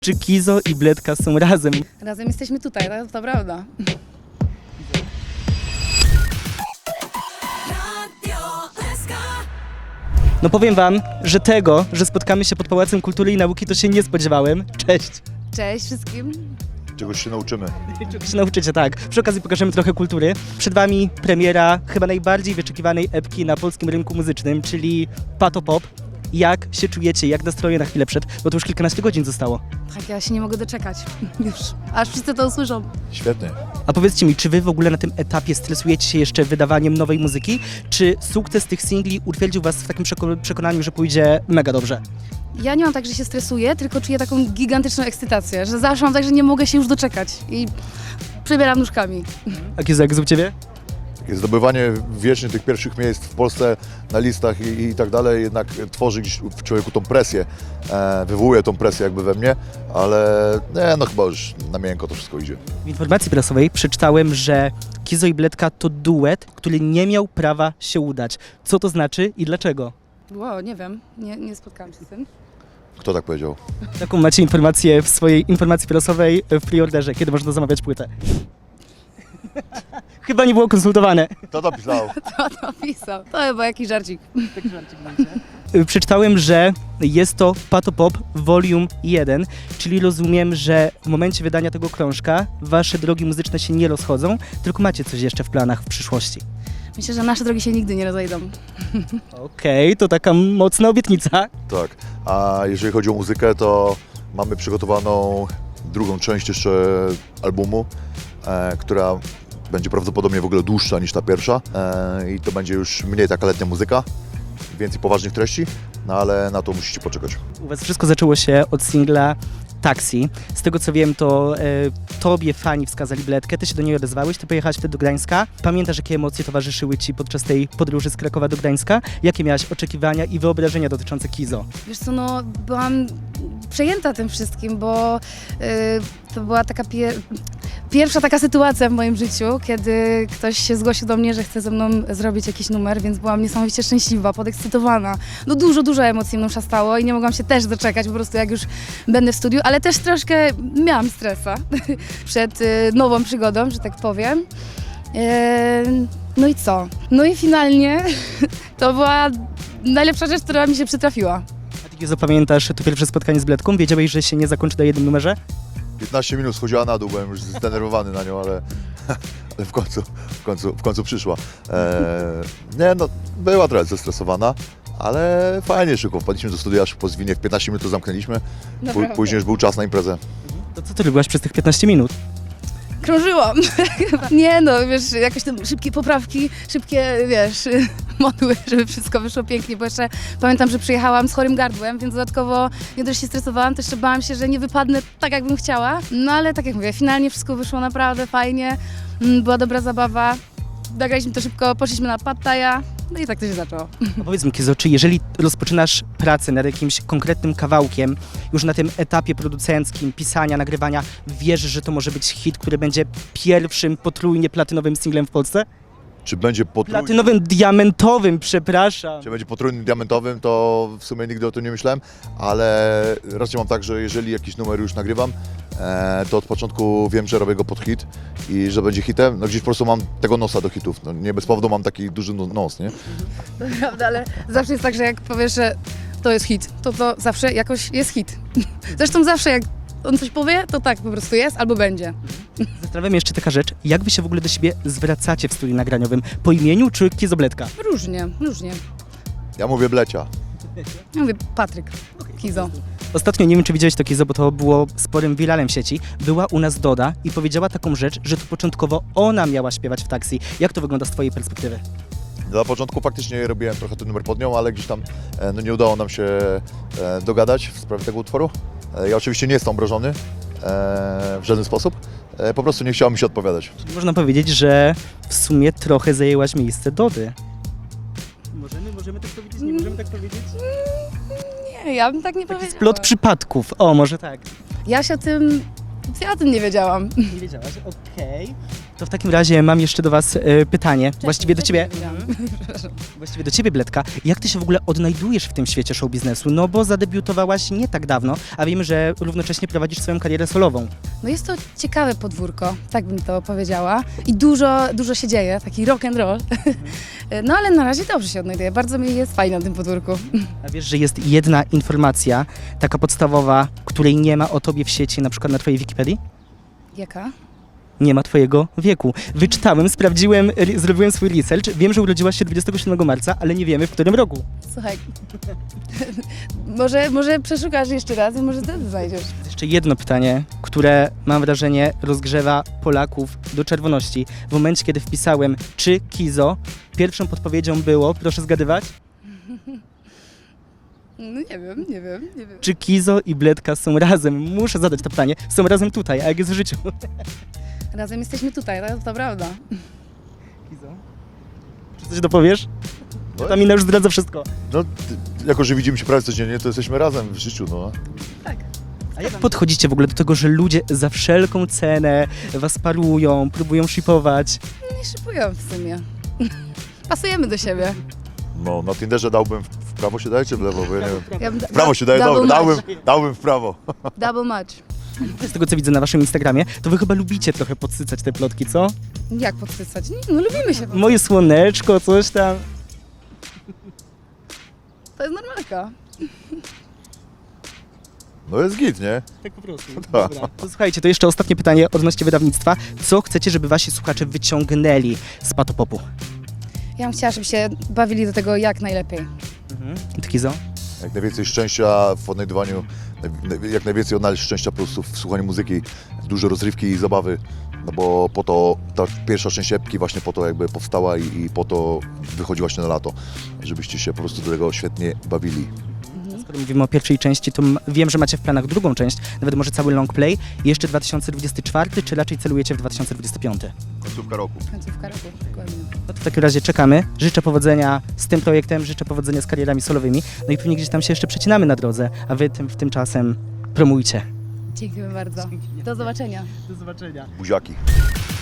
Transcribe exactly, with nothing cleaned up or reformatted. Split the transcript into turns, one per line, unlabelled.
Czy Kizo i Bledka są razem?
Razem jesteśmy tutaj, to, to prawda.
No powiem wam, że tego, że spotkamy się pod Pałacem Kultury i Nauki, to się nie spodziewałem. Cześć!
Cześć wszystkim.
Czegoś się nauczymy.
Czego się nauczycie, tak. Przy okazji pokażemy trochę kultury. Przed wami premiera chyba najbardziej wyczekiwanej epki na polskim rynku muzycznym, czyli Pato Pop. Jak się czujecie? Jak nastroje na chwilę przed? Bo to już kilkanaście godzin zostało.
Tak, ja się nie mogę doczekać. Już. Aż wszyscy to usłyszą.
Świetnie.
A powiedzcie mi, czy wy w ogóle na tym etapie stresujecie się jeszcze wydawaniem nowej muzyki? Czy sukces tych singli utwierdził was w takim przeko- przekonaniu, że pójdzie mega dobrze?
Ja nie mam tak, że się stresuję, tylko czuję taką gigantyczną ekscytację, że zawsze mam tak, że nie mogę się już doczekać i przebieram nóżkami.
A Kizo, jak z u ciebie?
Takie zdobywanie wiecznie tych pierwszych miejsc w Polsce na listach i, i tak dalej jednak tworzy gdzieś w człowieku tą presję, e, wywołuje tą presję jakby we mnie, ale nie, no chyba już na miękko to wszystko idzie.
W informacji prasowej przeczytałem, że Kizo i Bledka to duet, który nie miał prawa się udać. Co to znaczy i dlaczego?
Wow, nie wiem, nie, nie spotkałam się z tym.
Kto tak powiedział?
Taką macie informację w swojej informacji prasowej w preorderze, kiedy można zamawiać płytę. Chyba nie było konsultowane.
Kto to pisał?
Kto to pisał? To chyba jakiś żarcik.
Przeczytałem, że jest to Pato Pop Volume jeden, czyli rozumiem, że w momencie wydania tego krążka wasze drogi muzyczne się nie rozchodzą, tylko macie coś jeszcze w planach w przyszłości.
Myślę, że nasze drogi się nigdy nie rozejdą.
Okej, to taka mocna obietnica.
Tak. A jeżeli chodzi o muzykę, to mamy przygotowaną drugą część jeszcze albumu, e, która będzie prawdopodobnie w ogóle dłuższa niż ta pierwsza e, i to będzie już mniej taka letnia muzyka, więcej poważnych treści, no ale na to musicie poczekać.
U was wszystko zaczęło się od singla Taxi. Z tego co wiem, to e, tobie fani wskazali Bledkę, ty się do niej odezwałeś, ty pojechałaś wtedy do Gdańska. Pamiętasz, jakie emocje towarzyszyły ci podczas tej podróży z Krakowa do Gdańska? Jakie miałaś oczekiwania i wyobrażenia dotyczące Kizo?
Wiesz co, no byłam przejęta tym wszystkim, bo y, to była taka pier pierwsza taka sytuacja w moim życiu, kiedy ktoś się zgłosił do mnie, że chce ze mną zrobić jakiś numer, więc byłam niesamowicie szczęśliwa, podekscytowana. No dużo, dużo emocji mną szastało i nie mogłam się też doczekać po prostu jak już będę w studiu, ale też troszkę miałam stresa przed y, nową przygodą, że tak powiem. Y, no i co? No i finalnie to była najlepsza rzecz, która mi się przytrafiła.
A ty Kizo, pamiętasz to pierwsze spotkanie z Bledką? Wiedziałeś, że się nie zakończy na jednym numerze?
piętnaście minut schodziła na dół, byłem już zdenerwowany na nią, ale, ale w, końcu, w, końcu, w końcu przyszła. E, nie no, była trochę zestresowana, ale fajnie szybko wpadliśmy do studia, szybko zwinie, w piętnaście minut to zamknęliśmy,
Naprawdę.
Później już był czas na imprezę.
To co ty robiłaś przez tych piętnaście minut?
Krążyłam. Nie no, wiesz, jakieś tam szybkie poprawki, szybkie, wiesz, modły, żeby wszystko wyszło pięknie, bo jeszcze pamiętam, że przyjechałam z chorym gardłem, więc dodatkowo nie dość się stresowałam, to jeszcze bałam się, że nie wypadnę tak, jakbym chciała. No ale tak jak mówię, finalnie wszystko wyszło naprawdę fajnie, była dobra zabawa, nagraliśmy to szybko, poszliśmy na Pad Thai'a, no i tak to się zaczęło.
A powiedz mi, Kizo, czy jeżeli rozpoczynasz pracę nad jakimś konkretnym kawałkiem, już na tym etapie producenckim, pisania, nagrywania, wierzysz, że to może być hit, który będzie pierwszym potrójnie platynowym singlem w Polsce?
Czy będzie potrójny,
Platynowym, diamentowym, przepraszam.
czy będzie potrójnym diamentowym, to w sumie nigdy o tym nie myślałem, ale raczej mam tak, że jeżeli jakiś numer już nagrywam, e, to od początku wiem, że robię go pod hit i że będzie hitem. No gdzieś po prostu mam tego nosa do hitów. No, nie bez powodu mam taki duży no- nos, nie?
To prawda, ale zawsze jest tak, że jak powiesz, że to jest hit, to to zawsze jakoś jest hit. Zresztą zawsze jak on coś powie, to tak po prostu jest albo będzie.
Zastanawiam mnie jeszcze taka rzecz, jak wy się w ogóle do siebie zwracacie w studiu nagraniowym? Po imieniu czy Kizo Bledka?
Różnie, różnie.
Ja mówię blecia.
Ja mówię Patryk, Kizo.
Ostatnio, nie wiem czy widziałeś to Kizo, bo to było sporym wiralem w sieci, była u nas Doda i powiedziała taką rzecz, że to początkowo ona miała śpiewać w taksi. Jak to wygląda z twojej perspektywy?
Na początku faktycznie robiłem trochę ten numer pod nią, ale gdzieś tam e, no, nie udało nam się e, dogadać w sprawie tego utworu. E, ja oczywiście nie jestem obrażony e, w żaden sposób, e, po prostu nie chciało mi się odpowiadać.
Można powiedzieć, że w sumie trochę zajęłaś miejsce Dody. Możemy, możemy tak powiedzieć, nie możemy tak powiedzieć?
Nie, ja bym tak nie
Taki
powiedziała.
splot przypadków, o może tak.
Ja się o tym, ja o tym nie wiedziałam.
Nie wiedziałaś, okej. To w takim razie mam jeszcze do was e, pytanie, właściwie do ciebie,
Wcześniej
właściwie do ciebie, Bledka. Jak ty się w ogóle odnajdujesz w tym świecie show biznesu? No bo zadebiutowałaś nie tak dawno, a wiemy, że równocześnie prowadzisz swoją karierę solową.
No jest to ciekawe podwórko, tak bym to powiedziała. I dużo, dużo się dzieje, taki rock and roll. No ale na razie dobrze się odnajduję, bardzo mi jest fajnie na tym podwórku.
A wiesz, że jest jedna informacja, taka podstawowa, której nie ma o tobie w sieci, na przykład na twojej Wikipedii?
Jaka?
Nie ma twojego wieku. Wyczytałem, sprawdziłem, re- zrobiłem swój research. Wiem, że urodziłaś się dwudziestego siódmego marca, ale nie wiemy w którym roku.
Słuchaj, może, może przeszukasz jeszcze raz i może wtedy znajdziesz.
Jeszcze jedno pytanie, które mam wrażenie rozgrzewa Polaków do czerwoności. W momencie, kiedy wpisałem czy Kizo, pierwszą podpowiedzią było, proszę zgadywać,
No nie wiem, nie wiem, nie wiem.
czy Kizo i Bledka są razem. Muszę zadać to pytanie. Są razem tutaj, a jak jest w życiu?
Razem jesteśmy tutaj, to, to prawda.
Kizo? Czy coś dopowiesz?
No,
Ta mina już zdradza wszystko.
no, ty- jako że widzimy się prawie codziennie, to jesteśmy razem w życiu, no.
Tak.
A jak podchodzicie w ogóle do tego, że ludzie za wszelką cenę was parują, próbują shipować?
Nie szybują w sumie. Pasujemy do siebie.
No, na Tinderze dałbym w, w prawo się daje, czy w lewo, bo ja nie wiem.
Ja bym da-
W prawo się daje,
double
dobra, dałbym,
match.
dałbym w prawo.
Double match.
Z tego, co widzę na waszym Instagramie, to wy chyba lubicie trochę podsycać te plotki, co?
Jak podsycać? Nie, no lubimy się.
Moje słoneczko, coś tam.
To jest normalka.
No jest git, nie?
Tak po prostu.
Tak.
Dobra. To słuchajcie, to jeszcze ostatnie pytanie odnośnie wydawnictwa. Co chcecie, żeby wasi słuchacze wyciągnęli z Patopopu?
Ja bym chciała, żeby się bawili do tego jak najlepiej.
Mhm. Kizo?
Jak najwięcej szczęścia w odnajdywaniu, naj- jak najwięcej odnaleźć szczęścia po prostu w słuchaniu muzyki, dużo rozrywki i zabawy, no bo po to ta pierwsza część epki właśnie po to jakby powstała i, i po to wychodzi właśnie na lato, żebyście się po prostu do tego świetnie bawili.
Skoro mówimy o pierwszej części, to m- wiem, że macie w planach drugą część, nawet może cały long play. Jeszcze dwa tysiące dwudziesty czwarty, czy raczej celujecie w dwa tysiące dwudziesty piąty?
Końcówka roku.
Końcówka roku, dokładnie.
No to w takim razie czekamy. Życzę powodzenia z tym projektem, życzę powodzenia z karierami solowymi. No i pewnie gdzieś tam się jeszcze przecinamy na drodze, a wy tym, w tym czasem promujcie.
Dziękuję bardzo. Do zobaczenia.
Do zobaczenia.
Buziaki.